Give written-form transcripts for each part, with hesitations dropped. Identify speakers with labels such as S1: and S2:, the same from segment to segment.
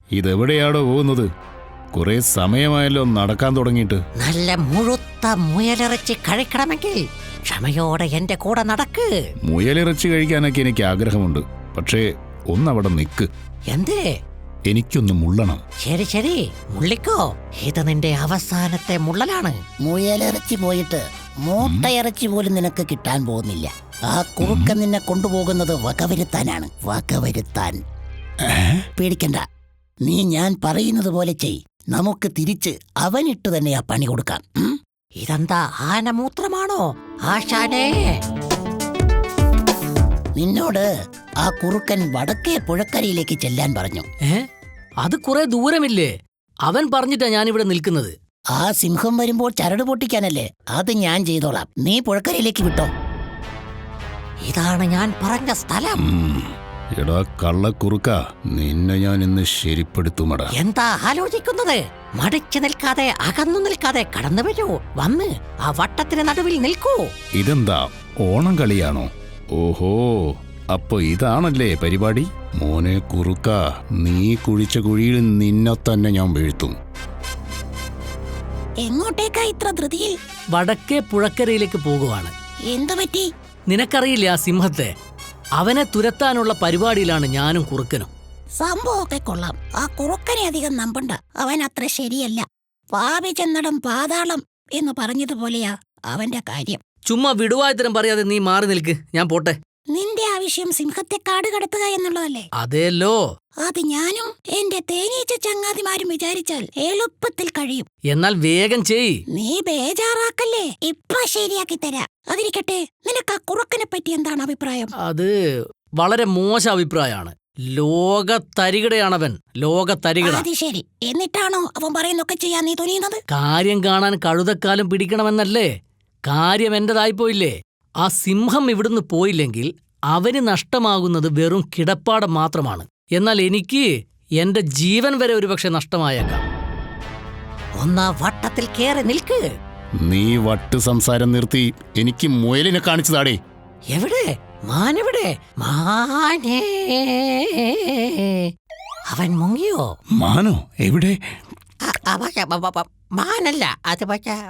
S1: ഇതെവിടെയാണോ പോകുന്നത്? കുറെ സമയമായല്ലോ നടക്കാൻ തുടങ്ങിയിട്ട്.
S2: നല്ല മുഴുത്ത മുയലിറച്ചി കഴിക്കണമെങ്കിൽ ക്ഷമയോടെ എന്റെ കൂടെ നടക്ക്.
S1: മുയലിറച്ചി കഴിക്കാനൊക്കെ എനിക്ക് ആഗ്രഹമുണ്ട്. പക്ഷേ ഒന്നവിടെ നിൽക്ക്.
S2: എന്തേ?
S1: എനിക്കൊന്ന് മുള്ളണം.
S2: ശരി ശരി, മുള്ളിക്കോ. ഇത് നിന്റെ അവസാനത്തെ മുള്ളലാണ്.
S3: മുയലിറച്ചി പോയിട്ട് മൂട്ടയിറച്ചി പോലും നിനക്ക് കിട്ടാൻ പോകുന്നില്ല. ആ കുറുക്കൻ നിന്നെ കൊണ്ടുപോകുന്നത് വകവരുത്താനാണ്. വകവരുത്താൻ. പേടിക്കണ്ട, നീ ഞാൻ പറയുന്നത് പോലെ ചെയ്. നമുക്ക് തിരിച്ച് അവനിട്ട് തന്നെ ആ പണി കൊടുക്കാം.
S2: ഇതെന്താ ആനമൂത്രമാണോ ആശാനേ?
S3: നിന്നോട് ആ കുറുക്കൻ വടക്കേ പുഴക്കരയിലേക്ക് ചെല്ലാൻ പറഞ്ഞു.
S4: അത് കുറെ ദൂരമില്ലേ? അവൻ പറഞ്ഞിട്ടാ ഞാനിവിടെ നിൽക്കുന്നത്.
S3: ആ സിംഹം വരുമ്പോൾ ചരട് പൊട്ടിക്കാനല്ലേ? അത് ഞാൻ ചെയ്തോളാം. നീ പുഴക്കരയിലേക്ക് വിട്ടോ.
S2: ഇതാണ് ഞാൻ പറഞ്ഞ സ്ഥലം.
S1: എടാ കള്ളക്കുറുക്ക, നിന്നെ ഞാൻ ഇന്ന് ശരിപ്പെടുത്തുമടാ.
S2: എന്താ ആലോചിക്കുന്നത്? മടിച്ചു നിൽക്കാതെ, അകന്നു നിൽക്കാതെ കടന്നു വരൂ. വന്ന് ആ വട്ടത്തിന് നടുവിൽ നിൽക്കൂ.
S1: ഇതെന്താ, ഓണം കളിയാണോ? ഓഹോ, അപ്പൊ ഇതാണല്ലേ പരിപാടി. മോനെ കുറുക്ക, നീ കുഴിച്ച കുഴിയിൽ നിന്നെ തന്നെ ഞാൻ വീഴ്ത്തും.
S3: എങ്ങോട്ടേക്കാ ഇത്ര ധൃതിയിൽ?
S4: വടക്കേ പുഴക്കരയിലേക്ക് പോകുവാണ്.
S3: എന്തു പറ്റി?
S4: നിനക്കറിയില്ല ആ സിംഹത്തെ? അവനെ തുരത്താനുള്ള പരിപാടിയിലാണ് ഞാനും കുറുക്കനും.
S3: സംഭവമൊക്കെ കൊള്ളാം. ആ കുറുക്കനെ അധികം നമ്പണ്ട. അവൻ അത്ര ശരിയല്ല. പാപി ചെന്നടം പാതാളം എന്ന് പറഞ്ഞതുപോലെയാ അവന്റെ കാര്യം.
S4: ചുമ്മാ വിടുവായത്തരം പറയാതെ നീ മാറി നിൽക്ക്. ഞാൻ പോട്ടെ.
S3: നിന്റെ ആവശ്യം സിംഹത്തെ കാട് കടത്തുക എന്നുള്ളതല്ലേ?
S4: അതേല്ലോ.
S3: അത് ഞാനും എന്റെ തേനീച്ച ചങ്ങാതിമാരും വിചാരിച്ചാൽ എളുപ്പത്തിൽ കഴിയും.
S4: എന്നാൽ വേഗം ചെയ്.
S3: നീ ബേജാറാക്കല്ലേ, ഇപ്പൊ ശരിയാക്കി തരാ. അതിരിക്കട്ടെ, നിനക്ക് ആ കുറുക്കനെ പറ്റി എന്താണ് അഭിപ്രായം?
S4: അത് വളരെ മോശം അഭിപ്രായമാണ്. ലോകത്തരികിടയാണവൻ, ലോകത്തരികിട.
S3: അത് ശരി. എന്നിട്ടാണോ അവൻ പറയുന്നൊക്കെ ചെയ്യാൻ നീ തുനിയുന്നത്?
S4: കാര്യം കാണാൻ കഴുതക്കാലം പിടിക്കണമെന്നല്ലേ? കാര്യം എന്റേതായിപ്പോയില്ലേ? ആ സിംഹം ഇവിടുന്ന് പോയില്ലെങ്കിൽ അവന് നഷ്ടമാകുന്നത് വെറും കിടപ്പാടം മാത്രമാണ്. എന്നാൽ എനിക്ക് എന്റെ ജീവൻ വരെ ഒരുപക്ഷെ നഷ്ടമായേക്കാം.
S2: ഒന്ന് വട്ടത്തിൽ കേറി നിൽക്ക്.
S1: നീ വട്ട് സംസാരം നിർത്തി എനിക്ക് മുയലിനെ കാണിച്ചതാടേ.
S2: എവിടെ മാനെവിടെ? മാനേ, അവൻ മുങ്ങിയോ?
S1: മാനോ എവിടെ?
S2: മാനല്ല അത്.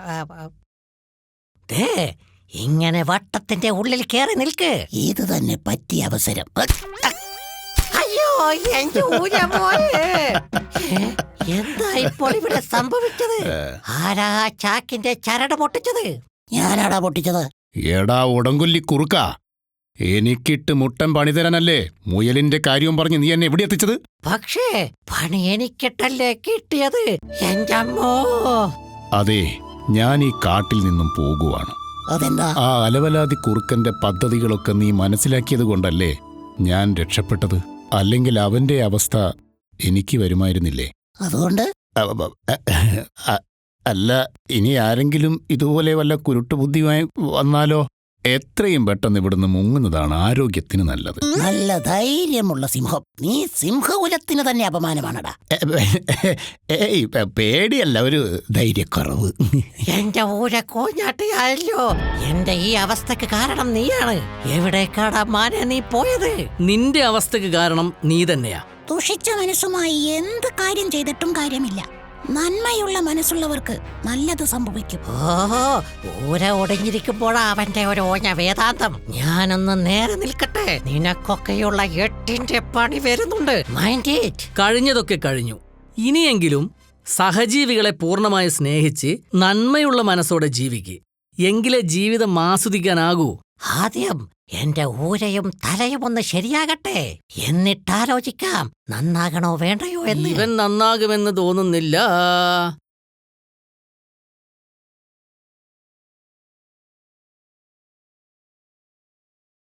S2: ദേ, ഇങ്ങനെ വട്ടത്തിന്റെ ഉള്ളിൽ കേറി നിൽക്ക്.
S3: ഇത് തന്നെ പറ്റിയ അവസരം.
S2: അയ്യോ, എന്റെ ഊരമോനെ. എന്താ ഇപ്പോൾ ഇവിടെ സംഭവിച്ചത്? ആരാ ചാക്കിന്റെ ചരട് പൊട്ടിച്ചത്?
S3: ഞാനാടാ പൊട്ടിച്ചത്.
S1: എടാ ഉടങ്കൊല്ലി കുറുക്ക, എനിക്കിട്ട് മുട്ടൻ പണി തരാനല്ലേ മുയലിന്റെ കാര്യവും പറഞ്ഞ് നീ എന്നെ എവിടെ എത്തിച്ചത്?
S2: പക്ഷേ പണി എനിക്കിട്ടല്ലേ കിട്ടിയത് എന്റെ അമ്മോ.
S1: അതെ, ഞാൻ ഈ കാട്ടിൽ നിന്നും പോകുവാണ്.
S3: അതെന്താ?
S1: ആ അലവലാതി കുറുക്കന്റെ പദ്ധതികളൊക്കെ നീ മനസ്സിലാക്കിയത് കൊണ്ടല്ലേ ഞാൻ രക്ഷപ്പെട്ടത്. അല്ലെങ്കിൽ അവന്റെ അവസ്ഥ എനിക്ക് വരുമായിരുന്നില്ലേ?
S3: അതുകൊണ്ട്
S1: അല്ല, ഇനി ആരെങ്കിലും ഇതുപോലെ വല്ല കുരുട്ടുബുദ്ധിയുമായി വന്നാലോ? എത്രയും പെട്ടെന്ന് ഇവിടുന്ന് മുങ്ങുന്നതാണ് ആരോഗ്യത്തിന് നല്ലത്.
S3: നല്ല ധൈര്യമുള്ള സിംഹം. നീ സിംഹകുലത്തിന് തന്നെ അപമാനമാണടാ.
S1: ഏയ്, പേടിയല്ല, ഒരു ധൈര്യക്കുറവ്.
S2: എന്റെ ഊര കോഞ്ഞാട്ടിയായല്ലോ. എന്റെ ഈ അവസ്ഥക്ക് കാരണം നീയാണ്. എവിടേക്കാടാ മാനെ നീ പോയത്?
S4: നിന്റെ അവസ്ഥക്ക് കാരണം നീ തന്നെയാ.
S3: ദുഷിച്ച മനസ്സുമായി എന്ത് കാര്യം ചെയ്തിട്ടും കാര്യമില്ല. നന്മയുള്ള മനസ്സുള്ളവർക്ക് നല്ലത് സംഭവിക്കും.
S2: ഓഹോ, ഊര ഒടിഞ്ഞിരിക്കുമ്പോഴാ അവന്റെ ഒരു ഓഞ്ഞ വേദാന്തം. ഞാനൊന്ന് നേരെ നിൽക്കട്ടെ. നിനക്കൊക്കെയുള്ള 8ന്റെ പണി വരുന്നുണ്ട്. Mind it.
S4: കഴിഞ്ഞതൊക്കെ കഴിഞ്ഞു. ഇനിയെങ്കിലും സഹജീവികളെ പൂർണ്ണമായി സ്നേഹിച്ച് നന്മയുള്ള മനസ്സോടെ ജീവിക്ക്. എങ്കിലേ ജീവിതം ആസ്വദിക്കാനാകൂ.
S2: ആദ്യം എന്റെ ഊരയും തലയും ഒന്ന് ശരിയാകട്ടെ, എന്നിട്ടാലോചിക്കാം നന്നാകണോ വേണ്ടയോ എന്ന്.
S4: ഇവൻ നന്നാകുമെന്ന് തോന്നുന്നില്ല.